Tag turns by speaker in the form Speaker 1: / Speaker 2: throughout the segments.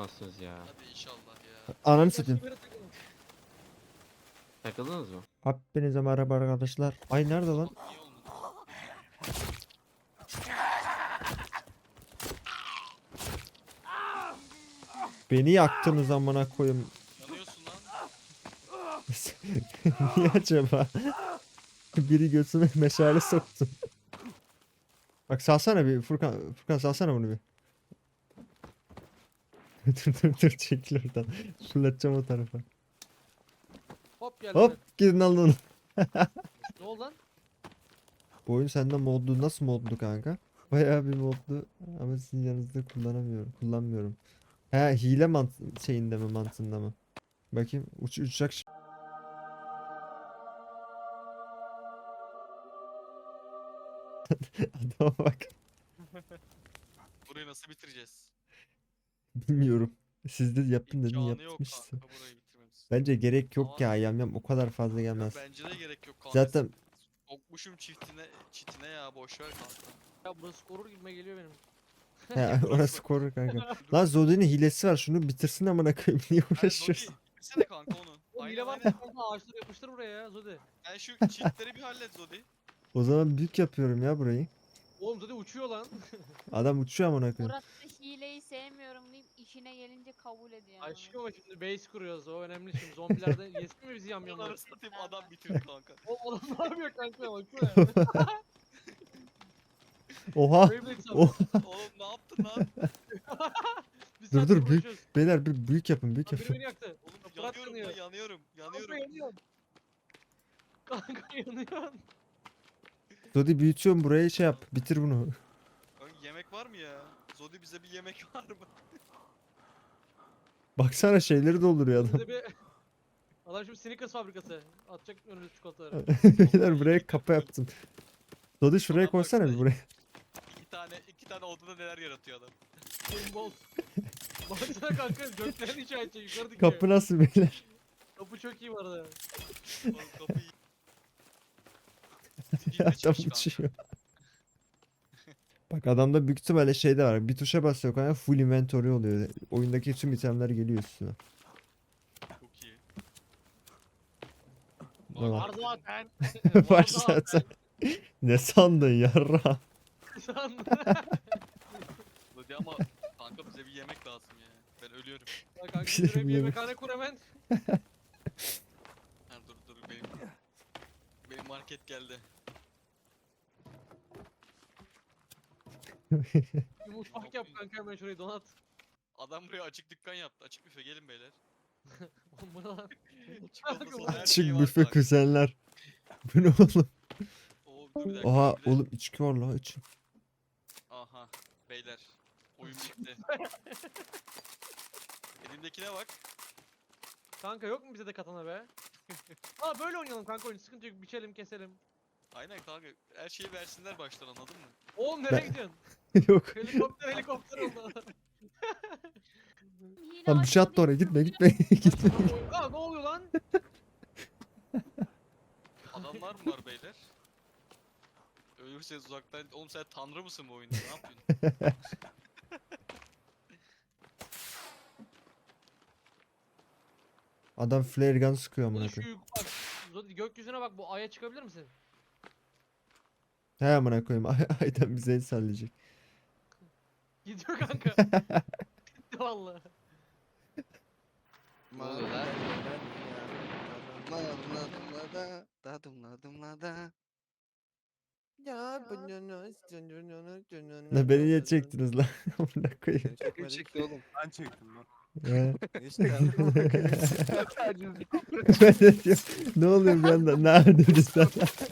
Speaker 1: Nasılsınız ya?
Speaker 2: Hadi inşallah ya.
Speaker 3: Ananı satayım.
Speaker 1: Takıldınız mı?
Speaker 3: Hepinize merhaba arkadaşlar. Ay nerede lan?
Speaker 2: Bak niye olmadı?
Speaker 3: Beni yaktınız amına koyayım.
Speaker 2: Yanıyorsun lan.
Speaker 3: Niye acaba? Biri göğsüme meşale soktu. Bak salsana bir Furkan. Furkan salsana bunu bir. dur çekil oradan. Fırlatacağım o tarafa.
Speaker 4: Hop geldi.
Speaker 3: Hop gidin alın onu.
Speaker 4: Ne oldu lan?
Speaker 3: Bu oyun sende modlu nasıl modlu kanka? Bayağı bir modlu ama sizin yanınızda kullanmıyorum. He hile şeyinde mi mantığında mı? Bakayım uçacak. Adama bak.
Speaker 2: Burayı nasıl bitireceğiz?
Speaker 3: Bilmiyorum. Siz de yapın dedin
Speaker 2: İmkanı yok
Speaker 3: yapmışsın.
Speaker 2: kanka burayı bitirmemiz.
Speaker 3: Bence gerek yok
Speaker 2: Ama-
Speaker 3: ya yamyam o kadar fazla gelmez.
Speaker 2: Bence de gerek yok kanka.
Speaker 3: Zaten
Speaker 2: Sokmuşum çitine ya boşver kanka.
Speaker 4: Ya burası korur gibime geliyor benim.
Speaker 3: he, orası korur kanka. Lan Zodi'nin hilesi var şunu bitirsin amına koyayım niye uğraşıyorsun?
Speaker 2: Zodi bitirsene kanka onu.
Speaker 4: O
Speaker 2: Aynen
Speaker 4: hile var
Speaker 2: aynen.
Speaker 4: mı kanka? Ağaçları yapıştır buraya ya Zodi.
Speaker 2: Sen şu çitleri bir hallet Zodi.
Speaker 3: O zaman büyük yapıyorum ya burayı.
Speaker 4: Oğlum Zodi uçuyor lan.
Speaker 3: Adam uçuyor amına koyayım.
Speaker 5: Murat da hileyi sevmiyorum deyip işine gelince kabul ediyor. ama.
Speaker 4: Aşkım ama şimdi base kuruyoruz o önemli şimdi zombilerde yesin mi bizi
Speaker 2: Onları
Speaker 4: yamyamlar?
Speaker 2: satayım adam bitirdi kanka.
Speaker 4: O adam ne yapıyor kanka baksana.
Speaker 3: Oha.
Speaker 4: Beyblade
Speaker 3: Oh.
Speaker 4: sandım.
Speaker 2: Oğlum ne yaptın lan?
Speaker 4: Bir
Speaker 3: Dur,
Speaker 4: saattir
Speaker 3: dur, büyük-
Speaker 4: uğraşıyoruz.
Speaker 3: Beyler bir büyük yapın büyük
Speaker 4: Lan biri
Speaker 3: yapın.
Speaker 4: beni yaktı.
Speaker 2: Oğlum
Speaker 4: Fırat
Speaker 2: yanıyorum
Speaker 4: yanıyor.
Speaker 2: lan yanıyorum. Yanıyorum.
Speaker 4: Kanka yanıyor. Kanka yanıyor.
Speaker 3: Zodi büyütüyorum burayı şey yap bitir bunu.
Speaker 2: Kanka yemek var mı ya? Zodi bize bir yemek var mı?
Speaker 3: Baksana şeyleri dolduruyor adam.
Speaker 4: Bize bir... Adam şimdi Snickers fabrikası. Atacak önümüze çikolataları.
Speaker 3: Beyler buraya kapı yaptım. Zodi şuraya
Speaker 2: Adam
Speaker 3: koysana bir
Speaker 2: baksana.
Speaker 3: buraya.
Speaker 2: İki tane odada neler yaratıyor adam.
Speaker 4: Bol. Baksana kanka göklerin işareti yukarı dikiyor.
Speaker 3: Kapı nasıl beyler?
Speaker 4: Kapı çok iyi bu arada.
Speaker 2: Oğlum kapıyı...
Speaker 3: Adam
Speaker 2: çıkmış kanka.
Speaker 3: uçuyor. Bak adamda büyük ihtimalle şey de var. Bir tuşa basıyor kanka full inventory oluyor. Oyundaki tüm itemler geliyor üstüne.
Speaker 2: Çok iyi.
Speaker 3: Ne var?
Speaker 4: Var zaten.
Speaker 3: Var zaten. Ne sandın yarra?
Speaker 4: Sandım.
Speaker 2: Hadi ama kanka bize bir yemek lazım ya. Ben ölüyorum.
Speaker 4: Ya kanka
Speaker 3: Bir şey
Speaker 4: şuraya bir
Speaker 3: bilmiyorum.
Speaker 4: yemekhane kur hemen.
Speaker 2: Ha, dur benim market geldi.
Speaker 4: Bir mutfak yap kanka hemen şurayı donat.
Speaker 2: Adam buraya açık dükkan yaptı. Açık büfe gelin beyler.
Speaker 4: Oğlum bu ne lan?
Speaker 2: Çikolata
Speaker 4: Kanka,
Speaker 2: soda her
Speaker 3: Çık
Speaker 2: şeyi var
Speaker 3: büfe
Speaker 2: bak.
Speaker 3: kuzenler. Bu ne oğlum?
Speaker 2: Oo, dur bir dakika.
Speaker 3: Oha
Speaker 2: bir de-
Speaker 3: oğlum içki var la iç.
Speaker 2: Aha beyler. Oyun bitti. Elimdekine bak.
Speaker 4: Kanka yok mu bize de katana be? Aa böyle oynayalım kanka oyunu sıkıntı yok biçelim keselim.
Speaker 2: Aynen kanka. Her şeyi versinler baştan anladın mı?
Speaker 4: Oğlum nereye
Speaker 3: Ben-
Speaker 4: gidiyorsun?
Speaker 3: Yok.
Speaker 4: Helikopter oldu.
Speaker 5: Hile
Speaker 3: Lan bir şey attı oraya gitme gitme gitme.
Speaker 4: Aa ne oluyor lan?
Speaker 2: Adamlar mı var beyler? Ölürseniz uzaktan... Oğlum sen tanrı mısın bu oyunda? Ne yapıyorsun?
Speaker 3: Adam flare gun sıkıyor amına
Speaker 4: Ulan şu
Speaker 3: koyayım.
Speaker 4: bak. Zodi gökyüzüne bak bu aya çıkabilir misin?
Speaker 3: He amına koyayım. Aydan bize el sallayacak.
Speaker 4: Gidiyor kanka. Gitti valla.
Speaker 2: Ne oluyor lan?
Speaker 3: Ne beni niye çektiniz lan? Amına koyayım.
Speaker 6: Kim çekti oğlum? Ben çektim lan.
Speaker 3: He.
Speaker 6: İşte
Speaker 3: Ben de diyorum, ne oluyor bir anda? Neredeydin sen?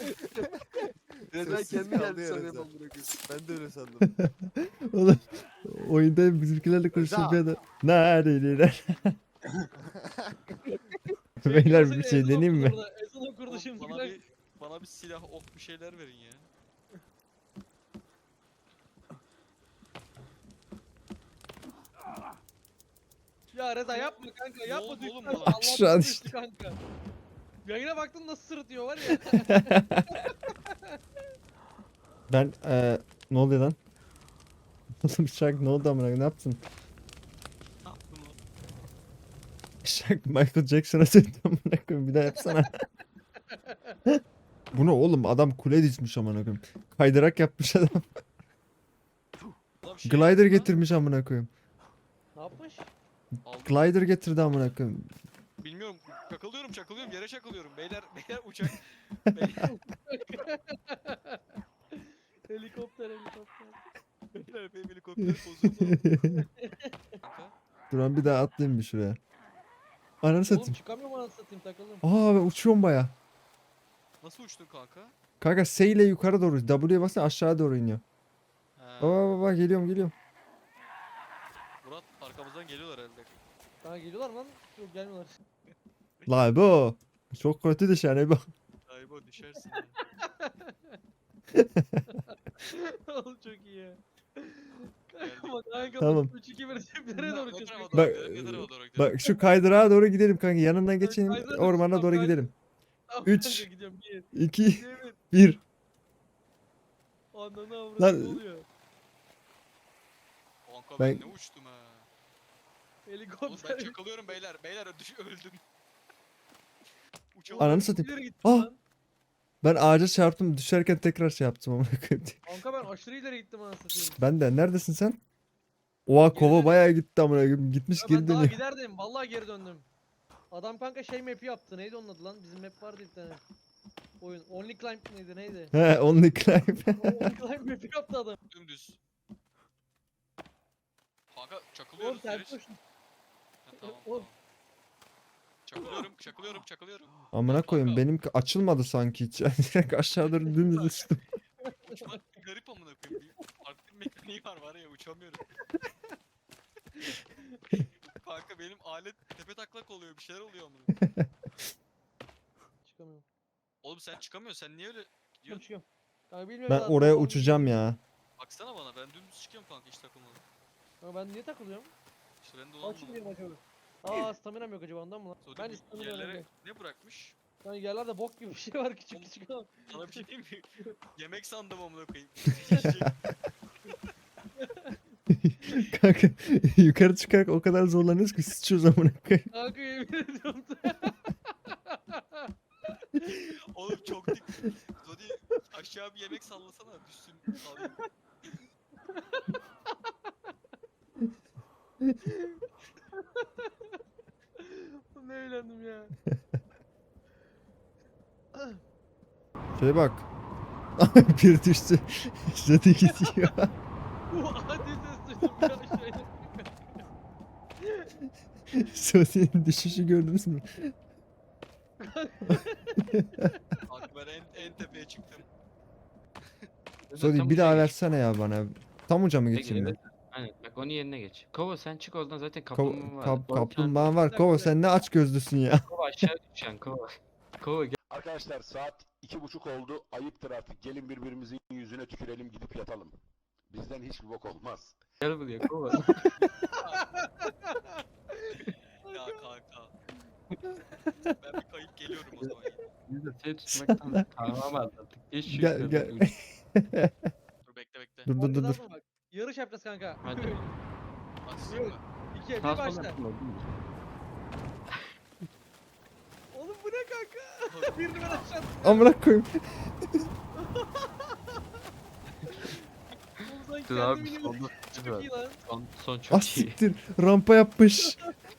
Speaker 6: Neden kendi geldi sanıyorum amına koyayım. Ben de öyle sandım.
Speaker 3: Oğlum oyunda bizimkilerle konuşuyor bir anda. Neredeydin? Beyler bir şey deneyeyim mi?
Speaker 4: Ezan okurdu
Speaker 2: Oğlum,
Speaker 4: şimdi.
Speaker 2: bana bir silah, ok bir şeyler verin ya.
Speaker 4: Ya Reza yapma kanka yapma
Speaker 2: oldu oğlum
Speaker 4: düştü.
Speaker 2: bana?
Speaker 4: Allah
Speaker 3: Şu an
Speaker 4: düştü
Speaker 3: işte.
Speaker 4: kanka. Yayına baktın nasıl sırıtıyor var ya.
Speaker 3: Ben ne oluyor lan? Oğlum Şark ne oldu amına koyayım? Ne yaptın?
Speaker 2: Ne yaptım
Speaker 3: Şak Michael Jackson'a döndüm amına koyayım. Bir daha yapsana. Bu ne oğlum? Adam kule dizmiş amına koyayım. Kaydırak yapmış adam.
Speaker 2: Ulan şey
Speaker 3: Glider
Speaker 2: yaptı lan,
Speaker 3: getirmiş amına koyayım.
Speaker 4: Ne yapmış?
Speaker 2: aldım.
Speaker 3: Glider getirdi amına koyayım.
Speaker 2: Bilmiyorum. Çakılıyorum. Yere çakılıyorum. Beyler uçak. Beyler,
Speaker 4: Helikopter.
Speaker 2: beyler benim helikopter bozuldu. Kanka.
Speaker 3: Duran bir daha atlayayım bir şuraya. Ananı
Speaker 4: Oğlum
Speaker 3: satayım.
Speaker 4: çıkamıyorum anasını satayım takıldım.
Speaker 3: Aa ben uçuyorum baya.
Speaker 2: Nasıl uçtun kanka?
Speaker 3: Kanka S ile yukarı doğru. W'ye basın aşağı doğru iniyor.
Speaker 2: He.
Speaker 3: Baba geliyorum.
Speaker 2: Murat arkamızdan geliyorlar herhalde.
Speaker 4: Kanka geliyorlar mı lan? Yok gelmiyorlar.
Speaker 3: La bu. Çok kötü dışarı bak.
Speaker 2: Galiba düşersin ya.
Speaker 4: Oğlum çok iyi ya. Kanka
Speaker 2: Geldik.
Speaker 4: bak kanka
Speaker 3: Tamam.
Speaker 4: 3-2-1 ceplere doğru
Speaker 2: Ne tarafa
Speaker 4: çıkıyor.
Speaker 2: doğru
Speaker 3: Bak,
Speaker 2: gidelim? Ne tarafa doğru gidelim?
Speaker 3: Bak şu kaydırağa doğru gidelim kanka. Yanından geçelim.
Speaker 4: kaydırağa
Speaker 3: Ormana
Speaker 4: tamam,
Speaker 3: doğru
Speaker 4: kaydır.
Speaker 3: gidelim.
Speaker 4: Tamam
Speaker 3: üç.
Speaker 4: kanka gidiyorum 1
Speaker 3: 2
Speaker 4: 2
Speaker 3: 1.
Speaker 4: Ananı avradı
Speaker 3: Lan-
Speaker 4: ne oluyor?
Speaker 2: Kanka
Speaker 3: Ben-
Speaker 2: ben ne uçtum ha. Oğlum
Speaker 4: Helikopter.
Speaker 2: ben çakılıyorum beyler. Beyler öldüm. Uçamadım.
Speaker 3: Ananı satayım.
Speaker 4: İleri gittim
Speaker 3: Ah!
Speaker 4: lan.
Speaker 3: Ben ağaca çarptım. Düşerken tekrar şey yaptım amına koyayım.
Speaker 4: Kanka ben aşırı ileri gittim anasını satayım.
Speaker 3: Ben de neredesin sen? Oha kova
Speaker 4: dönüyorum.
Speaker 3: bayağı gitti amına koyayım. Gitmiş
Speaker 4: Ya
Speaker 3: geri
Speaker 4: ben daha
Speaker 3: dönüyor.
Speaker 4: giderdim. Vallahi geri döndüm. Adam kanka şey map'i yaptı. Neydi onun adı lan? Bizim map vardı bir tane. Oyun. Only Climb mıydı neydi?
Speaker 3: He only climb.
Speaker 4: Only Climb map'i yaptı adam.
Speaker 2: Dümdüz. Kanka
Speaker 4: Oğlum
Speaker 2: çakılıyoruz.
Speaker 4: ters
Speaker 2: Barış.
Speaker 4: koşun.
Speaker 2: Ha, tamam,
Speaker 4: Oğlum.
Speaker 2: tamam. Çakılıyorum.
Speaker 3: Amına
Speaker 2: Kanka,
Speaker 3: koyayım benimki açılmadı sanki hiç. Yani direkt aşağı doğru dümdüz uçtum.
Speaker 2: Uçmak garip amına koyayım. Bir farklı bir mekaniği var ya uçamıyorum. Kanka benim alet tepe taklak oluyor bir şeyler oluyor amına.
Speaker 4: Çıkamıyorum.
Speaker 2: Oğlum sen çıkamıyorsun sen niye öyle
Speaker 4: Çıkıyorum
Speaker 2: gidiyorsun?
Speaker 4: çıkıyorum. Kanka bilmiyorum
Speaker 3: Ben
Speaker 4: daha
Speaker 3: oraya
Speaker 4: kafam
Speaker 3: uçacağım
Speaker 4: gidiyor.
Speaker 3: ya.
Speaker 2: Baksana bana ben dümdüz çıkıyorum kanka hiç takılmadım.
Speaker 4: Kanka ben niye takılıyorum?
Speaker 2: İşte ben de
Speaker 4: Kaç
Speaker 2: olamadım.
Speaker 4: gidiyorum acaba? Aa staminam yok acaba ondan mı lan?
Speaker 2: Sonra
Speaker 4: Bence
Speaker 2: bu
Speaker 4: staminam
Speaker 2: yerlere
Speaker 4: yok.
Speaker 2: ne bırakmış?
Speaker 4: Kanka yerlerde bok gibi bir şey var küçük
Speaker 2: Oğlum,
Speaker 4: küçük ama.
Speaker 2: Sana bir şey diyeyim mi? Yemek sandım amına koyayım.
Speaker 3: Kanka yukarı çıkarak o kadar zorlanıyoruz ki sıçıyoruz amına koyayım.
Speaker 4: Kanka yemin ediyorum.
Speaker 2: Oğlum çok dik. Zodi aşağı bir yemek sallasana düşsün. Alayım.
Speaker 4: Ne eğlendim ya.
Speaker 3: Şöyle bak. Bir düştü. Zaten gidiyor.
Speaker 4: Bu adi ses duydum ya şöyle.
Speaker 3: Sosyalin düşüşü gördünüz mü?
Speaker 2: Kanka ben en tepeye çıktım.
Speaker 3: Sodi bir daha versene ya bana. Tam uca mı
Speaker 1: Peki,
Speaker 3: geçeyim ben?
Speaker 1: evet. Aynen bak onun yerine geç. Kova sen çık oradan zaten
Speaker 3: Kov-
Speaker 1: kaplumbağa var.
Speaker 3: kap-
Speaker 1: O bir tane-
Speaker 3: kaplumbağan var. Kova sen ne aç gözlüsün ya.
Speaker 1: Kova aşağı düşen kova. Kova gel,
Speaker 7: Arkadaşlar saat 2:30 oldu. Ayıptır artık. Gelin birbirimizin yüzüne tükürelim gidip yatalım. Bizden hiçbir bok olmaz.
Speaker 1: gel buraya kova.
Speaker 2: Ya kanka. Ben bir kayıp geliyorum o zaman.
Speaker 1: Biz de seni tutmaktan kahraman artık. Geç şu
Speaker 3: Gel,
Speaker 1: yukarıdan,
Speaker 3: gel.
Speaker 1: uç.
Speaker 2: Dur bekle.
Speaker 3: Dur dur dur dur.
Speaker 4: Bak, yarış yapacağız kanka.
Speaker 1: Hadi.
Speaker 2: Başlayayım mı?
Speaker 4: 2'ye 1
Speaker 1: Sağ sol
Speaker 4: başla.
Speaker 1: yapma, değil mi?
Speaker 4: Oğlum bu ne kanka? Birini ben aşağı
Speaker 3: Amına koyayım.
Speaker 4: Oğlum sen
Speaker 1: Dur
Speaker 4: kendi
Speaker 1: abi
Speaker 4: biliyorsun.
Speaker 1: sonda
Speaker 4: Çok iyi lan.
Speaker 1: son
Speaker 3: Ah
Speaker 1: çok iyi.
Speaker 3: siktir. Rampa yapmış.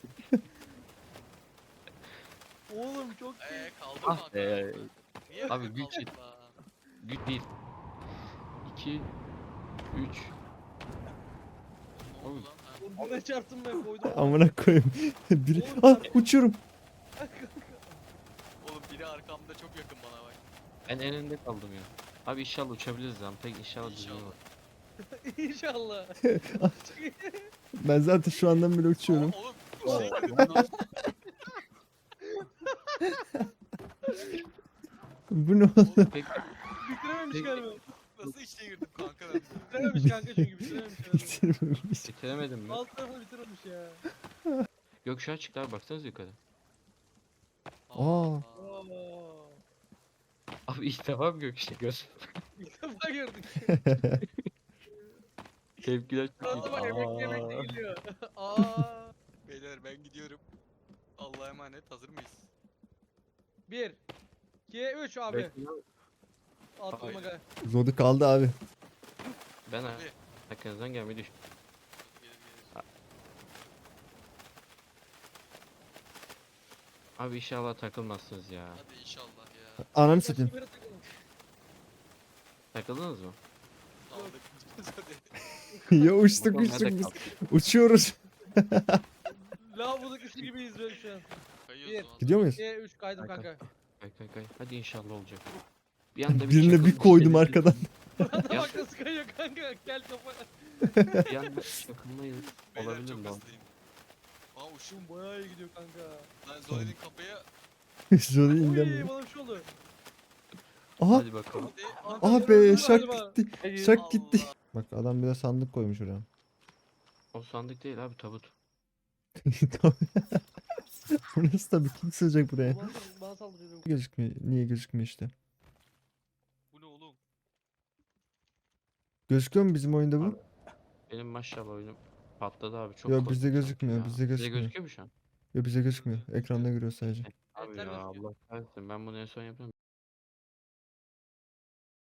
Speaker 4: Oğlum çok iyi.
Speaker 2: Kaldım
Speaker 1: Ah
Speaker 2: kanka.
Speaker 1: be.
Speaker 2: Niye
Speaker 1: Abi
Speaker 2: böyle
Speaker 1: güç
Speaker 2: kaldın
Speaker 1: yet-
Speaker 2: la?
Speaker 1: Güç 1 2 3
Speaker 2: Ne oldu lan? Ha.
Speaker 4: Oğlum buraya çarptım ben koydum.
Speaker 3: Amına koyayım. Biri... Ah uçuyorum.
Speaker 2: Oğlum biri arkamda çok yakın bana bak.
Speaker 1: Ben en önde kaldım ya. Abi inşallah uçabiliriz lan. Pek inşallah düzgün
Speaker 2: İnşallah.
Speaker 1: olur.
Speaker 4: İnşallah. Çok iyi.
Speaker 3: Ben zaten şu andan bile uçuyorum.
Speaker 2: Oğlum bir şey girdim lan.
Speaker 3: Bu ne oldu?
Speaker 2: Oğlum
Speaker 1: Pek
Speaker 4: Bitirememiş
Speaker 1: Peki.
Speaker 4: galiba.
Speaker 2: nasıl içine girdim kanka ben?
Speaker 4: Bitirememiş kanka çünkü bitirememiş. herhalde.
Speaker 3: Bitirmemiş.
Speaker 1: bitiremedim mi?
Speaker 4: Alt tarafını bitirememiş ya.
Speaker 1: Gökkuşağı çıktı abi baksanıza yukarı.
Speaker 3: Aa.
Speaker 4: Oo.
Speaker 1: Abi ilk defa mı gökkuşağı gördüm?
Speaker 4: İlk defa gördük.
Speaker 1: Tepkiler çok
Speaker 4: Şurada bak
Speaker 1: iyi.
Speaker 4: yemek
Speaker 1: Aa.
Speaker 4: yemek de geliyor. Aa.
Speaker 2: Beyler ben gidiyorum. emanet. Hazır mıyız?
Speaker 4: 1 2 3 abi.
Speaker 1: Bekle.
Speaker 4: Attım
Speaker 1: Hayır.
Speaker 4: aga.
Speaker 3: Zodi kaldı abi.
Speaker 1: Ben
Speaker 2: Abi.
Speaker 1: arkanızdan gelmeyi düş.
Speaker 2: Gelir gelir.
Speaker 1: Abi inşallah takılmazsınız ya.
Speaker 2: Hadi inşallah ya.
Speaker 3: Ananı satayım.
Speaker 4: Başka bir yere takılın.
Speaker 1: Takıldınız mı?
Speaker 2: Aldık. Hadi.
Speaker 3: Ya uçtuk
Speaker 1: Bakalım nerede
Speaker 3: uçtuk biz.
Speaker 1: kaldı?
Speaker 3: Uçuyoruz.
Speaker 4: Lavabo kuşu gibiyiz böyle şu an.
Speaker 2: Kayıyoruz
Speaker 4: Bir.
Speaker 2: o anda.
Speaker 3: Gidiyor muyuz?
Speaker 4: 2 3 kaydım
Speaker 1: Kanka.
Speaker 4: kanka.
Speaker 1: Kay kay kay. Hadi inşallah olacak. Bir anda
Speaker 3: Birine
Speaker 1: çakıl
Speaker 3: bir koydum
Speaker 1: düştü,
Speaker 3: arkadan.
Speaker 4: Burada
Speaker 1: Ya-
Speaker 4: bak nasıl kayıyor kanka. Gel kafa.
Speaker 1: Bir anda çakılmayız.
Speaker 2: Beyler
Speaker 1: Olabilir
Speaker 2: çok
Speaker 1: mi? o?
Speaker 2: hızlıyım. Aa uçum.
Speaker 4: Bayağı iyi gidiyor kanka.
Speaker 2: Lan Zoe'nin kafaya.
Speaker 3: Zodi
Speaker 4: Uy
Speaker 3: indim.
Speaker 4: bana bir şey oldu.
Speaker 3: Aha.
Speaker 1: Hadi bakalım.
Speaker 2: Hadi.
Speaker 3: Ah be şak
Speaker 4: Galiba.
Speaker 3: gitti. Şak gitti.
Speaker 2: Allah.
Speaker 3: Bak adam bir de sandık koymuş oraya.
Speaker 1: O sandık değil abi tabut.
Speaker 3: Burası tabii kim sığacak buraya?
Speaker 4: Bana saldırıyor.
Speaker 3: Gözükmüyor. Niye gözükmüyor işte?
Speaker 2: Bu ne oğlum?
Speaker 3: Gözüküyor mu bizim oyunda bu?
Speaker 1: Benim maşallah oyunum patladı abi. Çok
Speaker 3: Yok
Speaker 1: korktum
Speaker 3: bizde
Speaker 1: sanki
Speaker 3: gözükmüyor.
Speaker 1: ya.
Speaker 3: Bizde gözükmüyor.
Speaker 1: gözüküyor mu şu an?
Speaker 3: Yok bize gözükmüyor. Ekranda görüyor sadece.
Speaker 1: Abi
Speaker 4: Yeter
Speaker 1: ya
Speaker 4: gözüküyor.
Speaker 1: Allah kahretsin. Ben bunu en son yapıyorum.